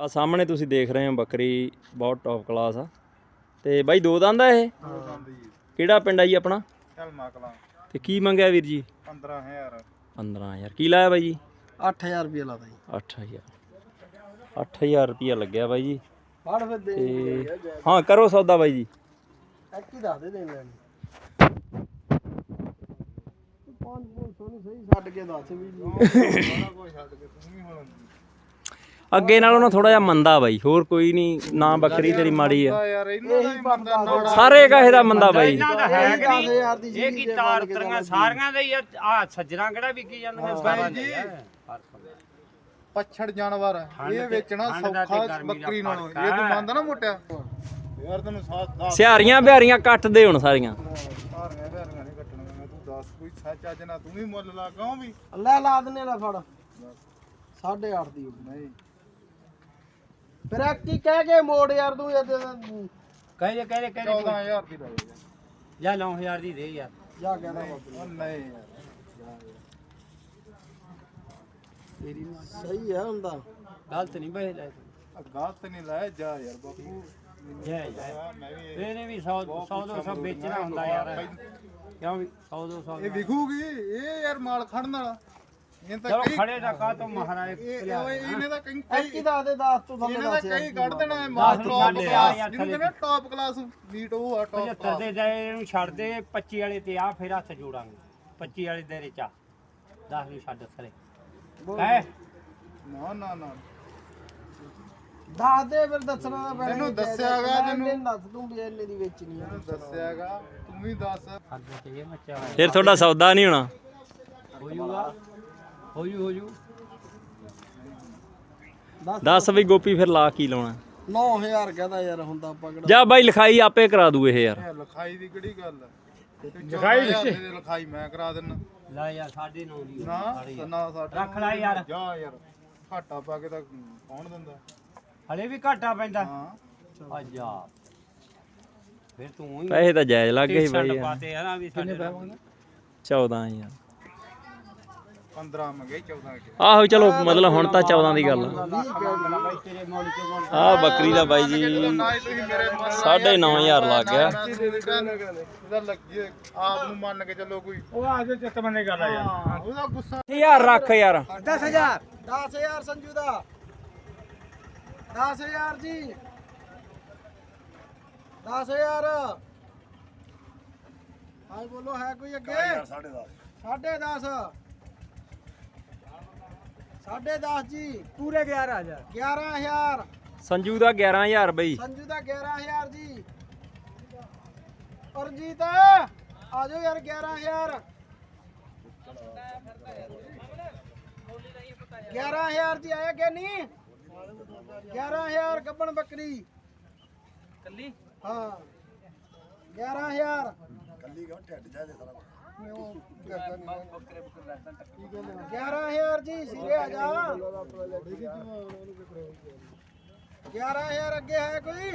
ਆ ਸਾਹਮਣੇ ਤੁਸੀਂ ਦੇਖ ਰਹੇ ਹੋ ਬੱਕਰੀ ਬਹੁਤ ਟੌਪ ਕਲਾਸ ਆ। ਤੇ ਬਾਈ ਦੋ ਦੰਦ ਆ ਇਹ? ਕਿਹੜਾ ਪਿੰਡ ਆ ਜੀ ਆਪਣਾ? ਝਲਮਾ ਕਲਾਂ। ਤੇ ਕੀ ਮੰਗਿਆ ਵੀਰ ਜੀ? 15000। 15000 ਕੀ ਲਾਇਆ ਬਾਈ ਜੀ? 8000 ਰੁਪਏ ਲਾਦਾ ਜੀ। 8000 ਰੁਪਿਆ ਲੱਗਿਆ ਬਾਈ ਜੀ। ਫੜ ਫਿਰ ਦੇ ਤੇ ਹਾਂ ਕਰੋ ਸੌਦਾ ਬਾਈ ਜੀ। ਇੱਕ ਹੀ ਦੱਸ ਦੇ ਦੇਣ ਲੈਣੀ। 500 ਨਹੀਂ ਸਹੀ ਛੱਡ ਕੇ ਦੱਸ ਵੀ ਜੀ। ਬੜਾ ਕੋਈ ਛੱਡ ਕੇ ਤੂੰ ਵੀ ਹੁਣ ਅੱਗੇ ਨਾਲੋਂ ਨਾ ਥੋੜਾ ਜਿਹਾ ਮੰਦਾ ਬਾਈ, ਹੋਰ ਕੋਈ ਨਹੀਂ ਨਾ। ਬੱਕਰੀ ਤੇਰੀ ਮਾੜੀ ਆ ਯਾਰ ਇਹਨਾਂ ਦਾ ਹੀ ਮੰਦਾ ਸਾਰੇ ਕਹੇ ਦਾ ਮੰਦਾ ਬਾਈ। ਇਹਨਾਂ ਦਾ ਹੈ ਕਿ ਨਹੀਂ? ਇਹ ਕੀ ਤਾਰ ਉਤਰੀਆਂ ਸਾਰੀਆਂ ਦਾ ਹੀ ਆ। ਸੱਜਣਾ ਕਿਹੜਾ ਵਿਕੀ ਜਾਂਦੀਆਂ ਸਾਰਾ ਜੀ। ਪੱਛੜ ਜਾਨਵਰ ਇਹ ਵੇਚਣਾ ਸੌਖਾ ਬੱਕਰੀ ਨਾਲੋਂ। ਇਹ ਤੂੰ ਮੰਨਦਾ ਨਾ ਮੋਟਿਆ ਯਾਰ, ਤੈਨੂੰ ਦੱਸ ਸਿਹਾਰੀਆਂ ਬਿਹਾਰੀਆਂ ਕੱਟ ਦੇ ਹੁਣ ਸਾਰੀਆਂ। ਸਾਰੀਆਂ ਬਿਹਾਰੀਆਂ ਨਹੀਂ ਕੱਟਣੀਆਂ। ਤੂੰ ਦੱਸ ਕੋਈ ਸੱਚ ਅੱਜ ਨਾ ਤੂੰ ਵੀ ਮੁੱਲ ਲਾ ਕਿਉਂ ਵੀ ਲੈ ਲਾ ਦਨੇ ਲੈ ਫੜ 8.5 ਦੀ ਨਹੀਂ ਫਿਰ ਕੀ ਕਹਿ ਕੇ ਮੋੜ ਯਾਰ ਤੂੰ ਕਹੇ 14000 ਦੀ ਲੈ ਜਾਂ 9000 ਦੀ ਦੇ ਯਾਰ। ਜਾ ਕਹਿੰਦਾ ਉਹ ਨਹੀਂ ਯਾਰ ਤੇਰੀ ਸਹੀ ਹੈ ਹੁੰਦਾ। ਗਲਤ ਨਹੀਂ ਬਹਿ ਲੈ ਗਲਤ ਨਹੀਂ ਲਾਇਆ ਜਾ ਯਾਰ ਬਾਪੂ। ਜੈ ਇਹਨੇ ਵੀ 100 200 ਵੇਚਣਾ ਹੁੰਦਾ ਯਾਰ। ਕਿਉਂ ਵੀ 100 200 ਇਹ ਵਿਖੂਗੀ ਇਹ ਯਾਰ ਮਾਲ ਖੜਨ ਵਾਲਾ। ਇਹ ਤਾਂ ਚਲੋ ਕਈ ਖੜੇ ਦਾ ਕਾ ਤੋਂ ਮਹਾਰਾਜ ਇਹਨੇ ਤਾਂ ਕਈ ਦੱਸ ਦੇ 10 ਤੋਂ ਥੱਲੇ ਦੱਸ। ਇਹਨੇ ਤਾਂ ਕਈ ਕੱਢ ਦੇਣਾ ਹੈ ਮਾਲ ਦਸ ਟੌਪ ਨਹੀਂ ਕਲਾਸ ਯਾਰ ਜਿਹਨੂੰ ਕਹਿੰਦੇ ਟੌਪ ਕਲਾਸ ਮੀਟ ਉਹ ਆ ਟੌਪ 75 ਦੇ ਜਾਏ ਇਹਨੂੰ ਛੱਡ ਦੇ। 25 ਵਾਲੇ ਤੇ ਆ ਫਿਰ ਹੱਥ ਜੋੜਾਂਗੇ। 25 ਵਾਲੇ ਦੇ ਰਿਚਾ 10 ਨੂੰ ਛੱਡ ਸਰੇ ਹੈ ਨਾ ਨਾ ਨਾ ਦੱਸ ਦੇ ਫਿਰ ਦੱਸਣਾ ਤਾਂ ਪੈਣਾ। ਤੈਨੂੰ ਦੱਸਿਆਗਾ ਤੈਨੂੰ ਦੱਸ ਦੂੰ ਵੀ ਇੰਨੇ ਦੀ ਵੇਚਣੀ ਆ। ਤੈਨੂੰ ਦੱਸਿਆਗਾ ਤੂੰ ਵੀ ਦੱਸ। ਹੱਦ ਤੇ ਇਹ ਮੱਚਾ ਫਿਰ ਤੁਹਾਡਾ ਸੌਦਾ ਨਹੀਂ ਹੋਣਾ। ਹੋ ਜੂਗਾ ਹੋ ਜੂ ਦੱਸ ਬਈ ਗੋਪੀ ਫਿਰ ਲਾ ਕੀ ਲਾਉਣਾ? 9000 ਕਹਦਾ ਯਾਰ ਹੁੰਦਾ ਪਕੜ। ਜਾ ਬਾਈ ਲਿਖਾਈ ਆਪੇ ਕਰਾ ਦੂ ਇਹ ਯਾਰ। ਇਹ ਲਿਖਾਈ ਦੀ ਕਿਹੜੀ ਗੱਲ ਹੈ? ਲਿਖਾਈ ਮੈਂ ਕਰਾ ਦਿੰਨਾ। ਲੈ ਯਾਰ 9.5 ਦੀ ਨਾ ਨਾ ਸਾਡਾ ਰੱਖ ਲੈ ਯਾਰ। ਜਾ ਯਾਰ ਘਾਟਾ ਪਾ ਕੇ ਤਾਂ ਕੌਣ ਦਿੰਦਾ? ਹਲੇ ਵੀ ਘਾਟਾ ਪੈਂਦਾ। ਹਾਂ ਆ ਜਾ ਫਿਰ ਤੂੰ ਹੀ ਪੈਸੇ ਤਾਂ ਜਾਇਜ਼ ਲੱਗ ਗਏ ਬਾਈ ਯਾਰ। ਪਾਤੇ ਆ ਨਾ ਵੀ ਸਾਡੇ 14000 15 ਮੰਗੇ 14 ਕੇ। ਆਹੋ ਚਲੋ ਮਤਲਬ ਹੁਣ ਤਾਂ 14 ਦੀ ਗੱਲ ਆ। ਬਾਈ ਤੇਰੇ ਮੌਲੀ ਚੋਂ ਆਹ ਬੱਕਰੀ ਦਾ ਬਾਈ ਜੀ ਨਾ ਹੀ ਤੁਸੀਂ ਮੇਰੇ 9.5 ਲੱਗ ਗਿਆ। ਇਹਦਾ ਲੱਗੀ ਆਪ ਨੂੰ ਮੰਨ ਕੇ ਚੱਲੋ ਕੋਈ। ਉਹ ਆ ਜੇ ਚਿੱਤ ਮੰਨੇ ਗੱਲ ਆ ਯਾਰ। ਉਹਦਾ ਗੁੱਸਾ ਯਾਰ ਰੱਖ ਯਾਰ। 10000 ਸੰਜੂ ਦਾ 10000 ਜੀ 10000 ਹਾਂ ਬੋਲੋ ਹੈ ਕੋਈ ਅੱਗੇ? 10.5 10.5 ਜੀ ਪੂਰੇ 11000 11000 ਸੰਜੂ ਦਾ 11000 ਬਈ। ਸੰਜੂ ਦਾ 11000 ਜੀ। ਅਰਜੀਤ ਆ ਜਾਓ ਯਾਰ 11000 11000 ਜੀ ਆਇਆ ਕਿ ਨਹੀਂ? 11000 ਗੱਬਣ ਬੱਕਰੀ ਕੱਲੀ। ਹਾਂ 11000 ਕੱਲੀ ਗਾ ਢੱਡ ਜਾ ਦੇ ਸਾਰਾ 11000 ਜੀ ਸਿਰੇ ਆ ਜਾ। 11000 ਅੱਗੇ ਹੈ ਕੋਈ?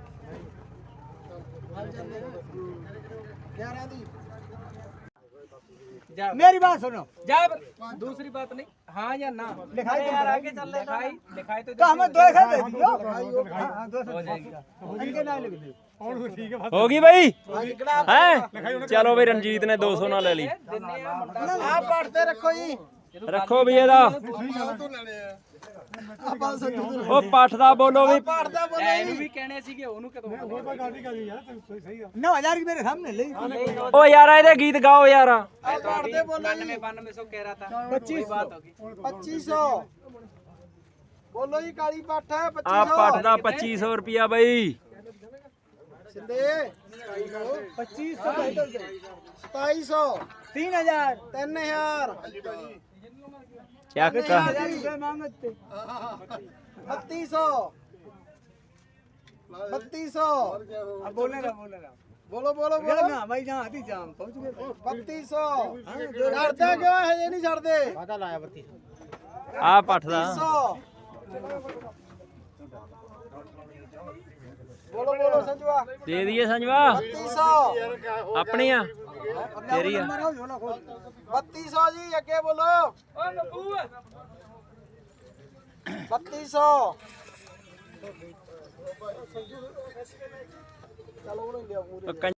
11 ਦੀ। मेरी बात सुनो जब दूसरी बात नहीं हाँ या ना लिखाई यार आगे चल रहे लिखाई तो हमें 2 दे दियो। हाँ 200 हो जाएगा इनके ना लिख दे और ठीक है ਹੋ ਗਈ ਬਾਈ ਹੈ? ਚਲੋ ਬਈ ਰਣਜੀਤ ਨੇ 200 ਨਾਲ ਲੈ ਲਈ। ਆ ਪੜਦੇ ਰੱਖੋ ਜੀ। ਰੱਖੋ ਵੀ ਇਹਦਾ। ਆਪਾਂ ਸੰਜੂ ਨੂੰ ਉਹ ਪੱਠ ਦਾ ਬੋਲੋ ਵੀ। ਪੜਦਾ ਬੋਲੇ ਜੀ। भी कहने सी कि ਉਹਨੂੰ ਕਦੋਂ ਹੋਰ ਕੋਈ ਗੱਲ ਨਹੀਂ ਕਰੀ ਯਾਰ ਸਹੀ ਸਹੀ ਆ। 9000 की मेरे सामने ले ਓ ਯਾਰ ਇਹਦੇ ਗੀਤ ਗਾਓ ਯਾਰ। ਪੜਦੇ ਬੋਲੇ ਜੀ। 92 कह रहा था 25 बात होगी 2500 ਬੋਲੋ ਜੀ। ਕਾਲੀ ਪੱਠ ਹੈ ਆ 2500 ਪੱਠ ਦਾ 2500 ਰੁਪਿਆ ਬਈ। ਸਿੰਦੇ 2500 2700 3000 3000 ਚੱਕ 3000 मांगते 3200 3200 अब बोलने रहा ਬੋਲੋ ਬੋਲੋ ਬੋਲੋ ना भाई जहां आती जाम पहुंच गए 3200 ਡਰਦੇ ਕਿਉਂ ਹਜੇ ਨਹੀਂ ਛੱਡਦੇ? पता लाया 3200 ਆ ਪੱਠ ਦਾ 3200 ਬੋਲੋ ਬੋਲੋ ਸੰਜੂਆ ਦੇ ਦਈਏ ਸੰਜਵਾ। 3200 ਆਪਣੀ ਆ ਤੇਰੀ ਆ। 3200 ਜੀ ਅੱਗੇ ਬੋਲੋ 3200 ਚਲੋ ਉਹਨੇ ਲਿਆ ਪੂਰੇ ਪੱਕਾ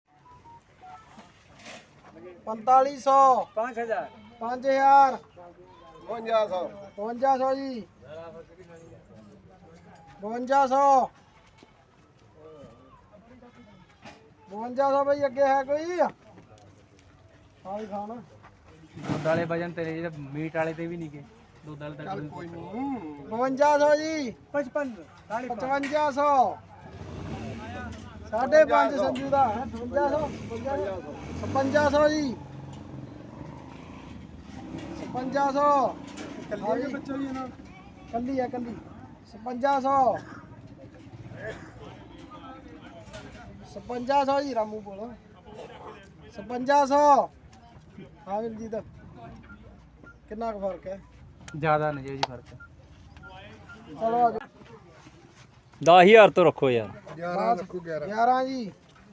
4500 5000 5000 5500 5200 ਜੀ 5200 5200 ਬਈ ਅੱਗੇ ਹੈ ਕੋਈ ਹਾਂ ਵੀ ਖਾਣਾ ਦੁੱਧ ਵਾਲੇ ਵਜਨ ਤੇਰੇ ਜਿਹੜੇ ਮੀਟ ਵਾਲੇ ਤੇ ਵੀ ਨਹੀਂ ਗਏ ਦੁੱਧ ਵਾਲੇ ਤਾਂ ਕੋਈ ਨਹੀਂ 5200 ਜੀ 55 5500 5.5 ਸੰਜੂ ਦਾ 5500 5500 ਜੀ 5500 ਕੱਲੀ ਬੱਚਾ ਹੀ ਨਾ ਕੱਲੀ ਹੈ ਕੱਲੀ 5500 5500 ਜੀ ਰਾਮੂ ਬੋਲ 5500 ਹਾਂ ਵੀਰ ਜੀ ਦਾ ਕਿੰਨਾ ਕੁ ਫਰਕ ਹੈ ਜ਼ਿਆਦਾ ਨਹੀਂ ਜੀ ਫਰਕ ਚਲੋ ਆ ਜਾਓ 10000 ਤੋਂ ਰੱਖੋ ਯਾਰ 11 ਰੱਖੂ 11 11 ਜੀ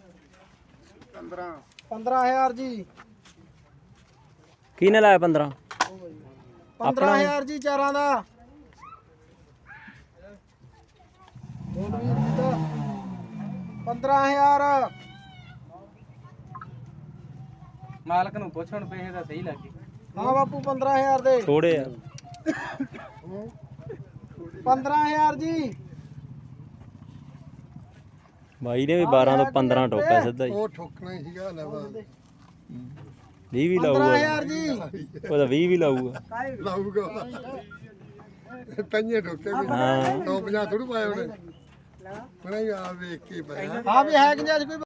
15 15000 ਜੀ ਕਿਹਨੇ ਲਾਇਆ 15 15000 ਜੀ ਚਾਰਾਂ ਦਾ ਬੋਲ ਵੀਰ ਜੀ ਦਾ 15000 ਮਾਲਕ ਨੂੰ ਪੁੱਛਣ ਪੈਸੇ ਤਾਂ ਸਹੀ ਲੱਗੇ ਹਾਂ ਬਾਪੂ 15000 ਦੇ ਥੋੜੇ ਯਾਰ 15000 ਜੀ ਬਾਈ ਨੇ ਵੀ 12 ਤੋਂ 15 ਟੋਕਿਆ ਸਿੱਧਾ ਹੀ ਉਹ ਠੋਕਣਾ ਹੀ ਸੀਗਾ ਲੈਵਾ 20 ਵੀ ਲਾਊਗਾ 15000 ਜੀ ਉਹਦਾ 20 ਵੀ ਲਾਊਗਾ ਲਾਊਗਾ ਪੰਜੇ ਠੋਕੇ ਵੀ ਹਾਂ 950 ਥੋੜੂ ਪਾਇਆ ਉਹਨੇ ਉਹਨੇ ਆ ਵੇਖ ਕੇ ਪਾਇਆ ਹਾਂ ਵੀ ਹੈ ਕਿ ਨਹੀਂ ਅੱਜ ਕੋਈ